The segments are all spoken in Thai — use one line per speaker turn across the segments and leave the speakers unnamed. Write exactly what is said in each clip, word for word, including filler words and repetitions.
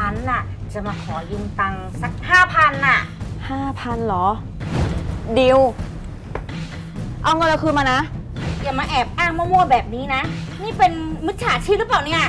ฉันน่ะจะมาขอยืมตังค์สักห้าพันน่ะ
ห้าพันเหรอ ดิว เอาเงินเราคืนมานะ
อย่ามาแอบอ้างมั่วๆแบบนี้นะ นี่เป็นมิจฉาชีพหรือเปล่าเนี่ย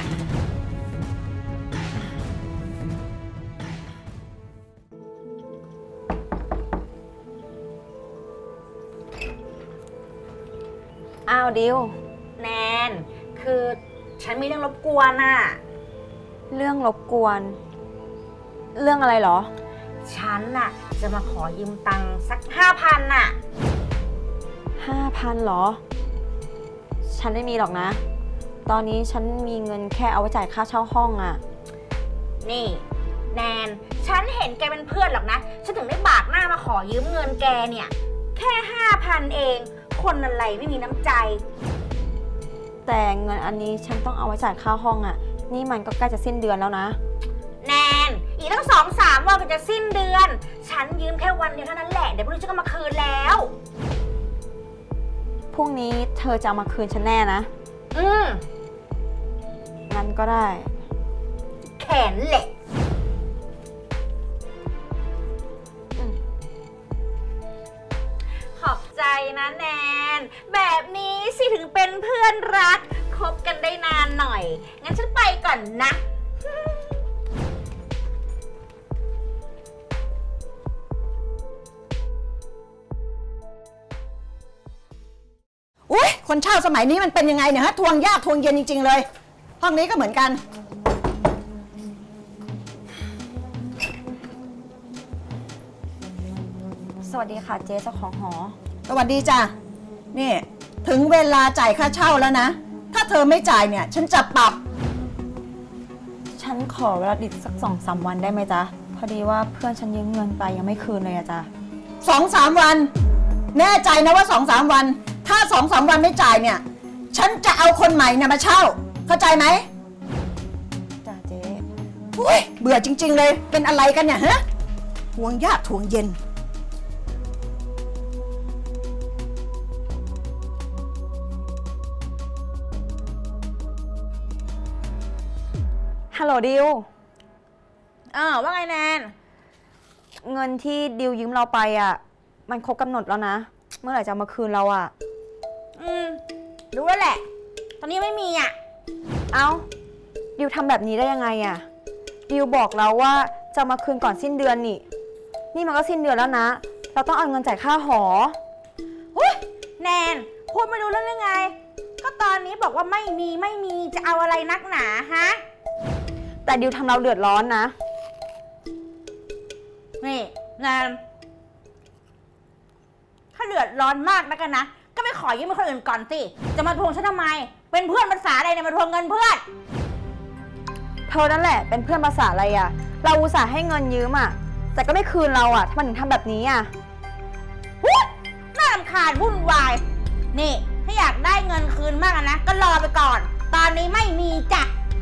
อ้าวดิว
แนน คือฉันมีเรื่องรบกวนน่ะ
เรื่องรบกวน เรื่องอะไรเหรอ
ฉันน่ะจะมาขอยืมตังค์สักห้าพันน่ะ
ห้าพันเหรอ ฉันไม่มีหรอกนะ ตอนนี้ฉันมีเงินแค่เอาไว้จ่ายค่าเช่าห้องอะ
นี่แนน ฉันเห็นแกเป็นเพื่อนหรอกนะ ฉันถึงได้บากหน้ามาขอยืมเงินแกเนี่ย แค่ห้าพันเอง คนอะไรไม่มีน้ำใจ
แต่เงินอันนี้ฉันต้องเอาไว้จ่ายค่าห้องอะนี่มันก็ใกล้จะสิ้นเดือนแล้วนะ
แนน อีกตั้งสองสามวันก็จะสิ้นเดือน ฉันยืมแค่วันเดียวเท่านั้นแหละ เดี๋ยวพรุ่งนี้ฉันก็มาคืนแล้ว
พรุ่งนี้เธอจะเอามาคืนฉันแน่นะ
อืม
งั้นก็ได้
แขนเหล็ก ขอบใจนะแนน แบบนี้สิถึงเป็นเพื่อนรัก คบกันได้นานหน่อย งั้นฉันไปก่อนนะ
อุ้ยคนเช่าสมัยนี้มันเป็นยังไงเนี่ยฮะทวงยากทวงเย็นจริงๆเลย ห้องนี้ก็เหมือนกัน
สวัสดีค่ะเจ๊เจ้าของหอ
สวัสดีจ้ะนี่ถึงเวลาจ่ายค่าเช่าแล้วนะ ถ้าเธอไม่จ่ายเนี่ยฉันจะปรับ
ฉันขอเวลาดิดสักสองสามวันได้ไหมจ๊ะ พอดีว่าเพื่อนฉันยืมเงินไปยังไม่คืนเลยอะจ๊ะ
สองสามวัน แน่ใจนะว่าสองสามวัน ถ้าสองสามวันไม่จ่ายเนี่ย ฉันจะเอาคนใหม่เนี่ยมาเช่า เข้าใจไหม
จ้ะเจ๊
อุ้ยเบื่อจริงๆเลยเป็นอะไรกันเนี่ยฮะทวงยากทวงเย็น
ฮัลโหลดิว
อ้าวว่าไงแนน
เงินที่ดิวยืมเราไปอะมันครบกำหนดแล้วนะ เมื่อไหร่จะเอามาคืนเราอะ
อืม รู้แล้วแหละ ตอนนี้ไม่มีอ่ะ
เอ้า ดิวทำแบบนี้ได้ยังไงอะดิวบอกเราว่าจะเอามาคืนก่อนสิ้นเดือนนี่ นี่มันก็สิ้นเดือนแล้วนะ เราต้องเอาเงินจ่ายค่าหอ
หุ้ยแนน พูดไม่รู้เรื่องยังไง ก็ตอนนี้บอกว่าไม่มีไม่มีจะเอาอะไรนักหนาฮะ
แต่ดิวทำเราเดือดร้อนนะ
นี่แนน ถ้าเดือดร้อนมากนะกันนะ ก็ไปขอยืมคนอื่นก่อนสิ จะมาทวงฉันทำไม เป็นเพื่อนภาษาอะไรเนี่ยมาทวงเงินเพื่อน
เธอนั่นแหละเป็นเพื่อนภาษาอะไรอะเราอุตส่าห์ให้เงินยืมอะแต่ก็ไม่คืนเราอะทำไมถึงทำแบบนี้อะ
หุ้ยน่ารำคาญวุ่นวาย นี่ ถ้าอยากได้เงินคืนมากอะนะ ก็รอไปก่อน ตอนนี้ไม่มีจ้ะ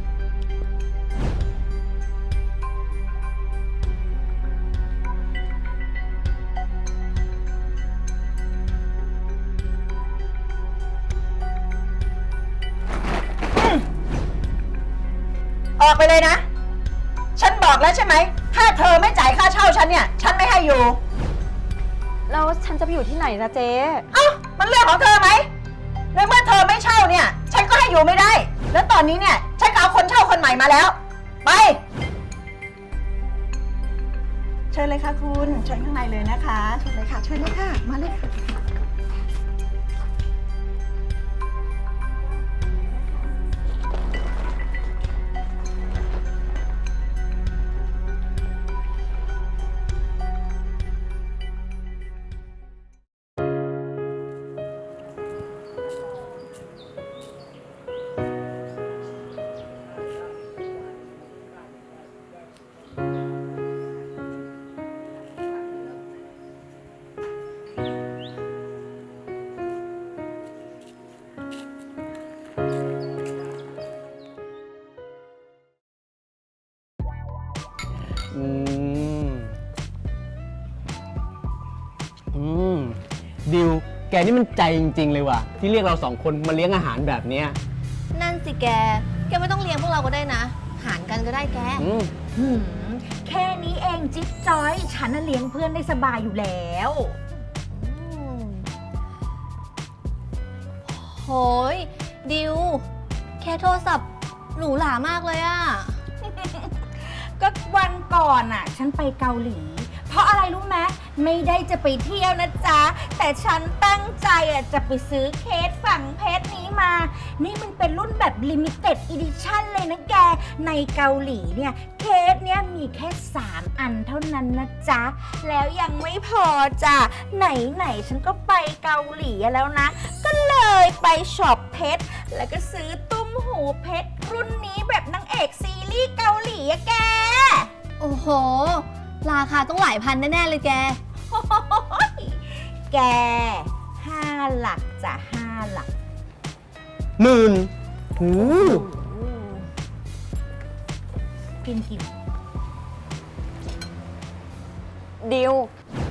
ออกไปเลยนะ ฉันบอกแล้วใช่ไหม ถ้าเธอไม่จ่ายค่าเช่าฉันเนี่ย ฉันไม่ให้อยู่
แล้วฉันจะไปอยู่ที่ไหนนะเจ๊
เอ้า มันเรื่องของเธอไหมในเมื่อเธอไม่เช่าเนี่ย ฉันก็ให้อยู่ไม่ได้ แล้วตอนนี้เนี่ย ฉันก็เอาคนเช่าคนใหม่มาแล้ว ไป เชิญเลยค่ะคุณ เชิญข้างในเลยนะคะ เชิญเลยค่ะ เชิญเลยค่ะ มาเลยค่ะ
อืม อืม ดิว แกนี่มันใจจริงๆเลยว่ะ ที่เรียกเราสองคนมาเลี้ยงอาหารแบบเนี้ย
นั่นสิแก แกไม่ต้องเลี้ยงพวกเราก็ได้นะหารกันก็ได้แก
อืม
หืมแค่นี้เองจิ๊บจอย ฉันน่ะเลี้ยงเพื่อนได้สบายอยู่แล้ว
โหยดิว แค่โทรศัพท์หรูหรามากเลยอะ
ก็วันก่อนอ่ะ ฉันไปเกาหลี เพราะอะไรรู้ไหมไม่ได้จะไปเที่ยวนะจ๊ะ แต่ฉันตั้งใจอ่ะจะไปซื้อเคสฝังเพชรนี้มา นี่มันเป็นรุ่นแบบ Limited Edition เลยนะแก ในเกาหลีเนี่ย เคสเนี้ยมีแค่สามอันเท่านั้นนะจ๊ะ แล้วยังไม่พอจ้ะ ไหนๆฉันก็ไปเกาหลีแล้วนะ ก็เลยไปช็อปเพชร แล้วก็ซื้อตุ้มหูเพชรรุ่นนี้แบบนางเอกซีรีส์เกาหลีอะแก
โอ้โห ราคาต้องหลายพันแน่ ๆ เลยแก
โอ้ยแกห้าหลักจ้ะห้าหลัก
หมื่นหู
กินกิน
ดิว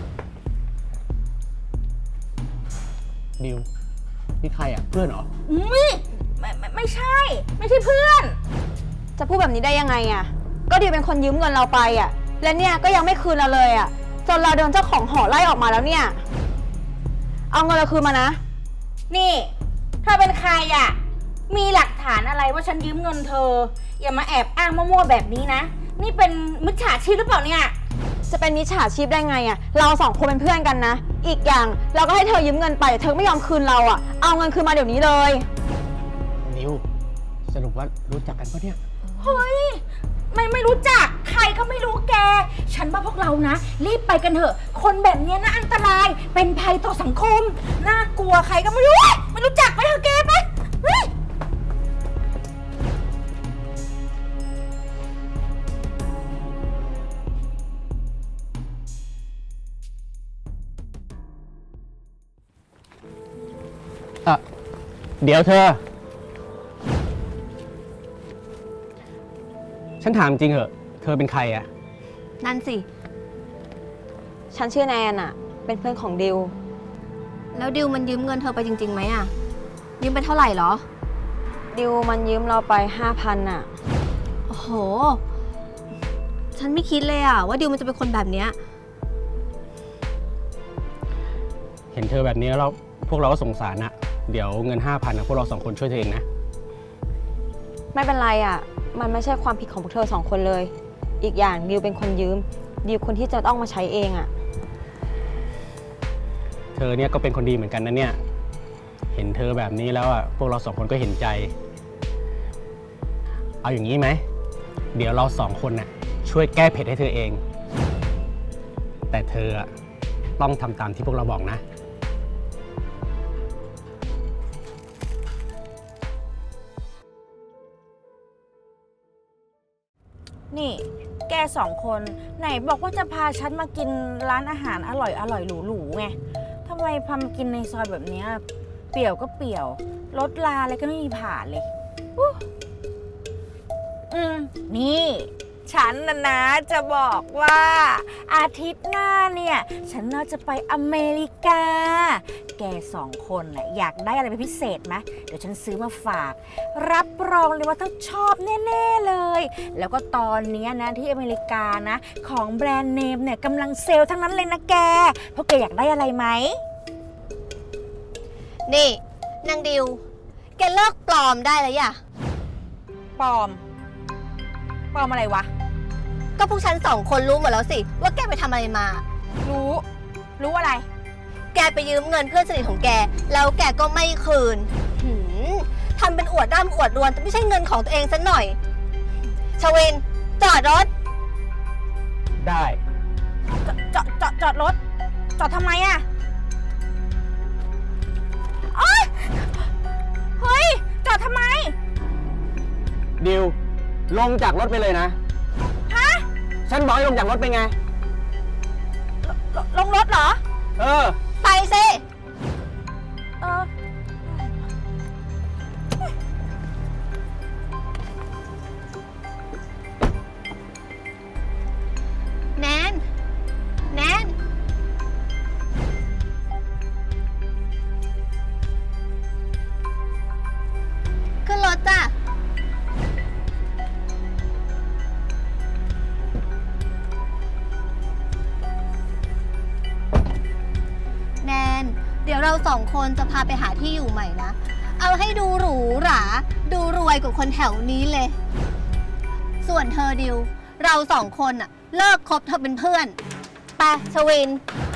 ดิว นี่ใครอ่ะ เพื่อนเหรอ
อุ้ยไม่ไม่ไม่ใช่ ไม่ใช่เพื่อน
จะพูดแบบนี้ได้ยังไงอะก็ดิวเป็นคนยืมเงินเราไปอะและเนี่ยก็ยังไม่คืนเราเลยอะจนเราโดนเจ้าของหอไล่ออกมาแล้วเนี่ย เอาเงินเราคืนมานะ
นี่เธอเป็นใครอะมีหลักฐานอะไรว่าฉันยืมเงินเธอ อย่ามาแอบอ้างมั่วๆแบบนี้นะ นี่เป็นมิจฉาชีพหรือเปล่าเนี่ย
จะเป็นมิจฉาชีพได้ไงอะเราสองคนเป็นเพื่อนกันนะ อีกอย่างเราก็ให้เธอยืมเงินไปแต่เธอไม่ยอมคืนเราอะเอาเงินคืนมาเดี๋ยวนี้เลย
ดิว สรุปว่ารู้จักกันปะเนี่ย
เฮ้ย ไม่ไม่รู้จัก ใครก็ไม่รู้แก ฉันว่าพวกเรานะ รีบไปกันเถอะ คนแบบเนี้ยนะอันตราย เป็นภัยต่อสังคม น่ากลัวใครก็ไม่รู้ ไม่รู้จักไปเถอะแกไปเฮ้ย
อ่ะ เดี๋ยวเธอ ฉันถามจริงเหอะ เธอเป็นใครอะ
นั่นสิ
ฉันชื่อแนนอะเป็นเพื่อนของดิว
แล้วดิวมันยืมเงินเธอไปจริงๆไหมอะยืมไปเท่าไหร่เหรอ
ดิวมันยืมเราไปห้าพันอะ
โอ้โห ฉันไม่คิดเลยอะว่าดิวมันจะเป็นคนแบบเนี้ย
เห็นเธอแบบนี้แล้วพวกเราก็สงสารอะเดี๋ยวเงินห้าพันอะพวกเราสองคนช่วยเธอเองนะ
ไม่เป็นไรอะมันไม่ใช่ความผิดของพวกเธอสองคนเลย อีกอย่างดิวเป็นคนยืม ดิวคนที่จะต้องมาใช้เองอะ
เธอเนี่ยก็เป็นคนดีเหมือนกันนะเนี่ย เห็นเธอแบบนี้แล้วอะพวกเราสองคนก็เห็นใจ เอาอย่างนี้ไหม เดี๋ยวเราสองคนน่ะช่วยแก้เผ็ดให้เธอเอง แต่เธออะต้องทำตามที่พวกเราบอกนะ
นี่ แกสองคนไหนบอกว่าจะพาฉันมากินร้านอาหารอร่อยอร่อยหรูๆไงทำไมพามากินในซอยแบบเนี้ยเปี่ยวก็เปี่ยว รถลาอะไรก็ไม่มีผ่านเลยอู้อืม นี่ ฉันนะนะจะบอกว่า อาทิตย์หน้าเนี่ย ฉันน่าจะไปอเมริกา แกสองคนน่ะอยากได้อะไรเป็นพิเศษไหมเดี๋ยวฉันซื้อมาฝาก รับรองเลยว่าต้องชอบแน่ ๆ เลย แล้วก็ตอนเนี้ยนะที่อเมริกานะ ของแบรนด์เนมเนี่ยกำลังเซลล์ทั้งนั้นเลยนะแกพวกแกอยากได้อะไรไหม
นี่นางดิว แกเลิกปลอมได้แล้วอย่ะ
ปลอม ปลอมอะไรวะ
ก็พวกฉันสองคนรู้หมดแล้วสิ ว่าแกไปทำอะไรมา
รู้ รู้อะไร
แกไปยืมเงินเพื่อนสนิทของแก แล้วแกก็ไม่คืนหืมทำเป็นอวดร่ำอวดรวนแต่ไม่ใช่เงินของตัวเองสักหน่อย ชวิน จอดรถ
ได้
จอดจอดจอดรถ จอดทำไมอะโอ๊ยเฮ้ย จอดทำไม
ดิว ลงจากรถไปเลยนะ
ฮะ
ฉันบอกให้ลงจากรถไปไง
ลลงรถเหรอ
เออ
ไปสิ
เออ
แนน แนน ขึ้นรถจ้ะยวเราสองคนจะพาไปหาที่อยู่ใหม่นะ เอาให้ดูหรูหรา ดูรวยกว่าคนแถวนี้เลย ส่วนเธอดิว เราสองคนอะเลิกคบเธอเป็นเพื่อน ไปชวิน
ไ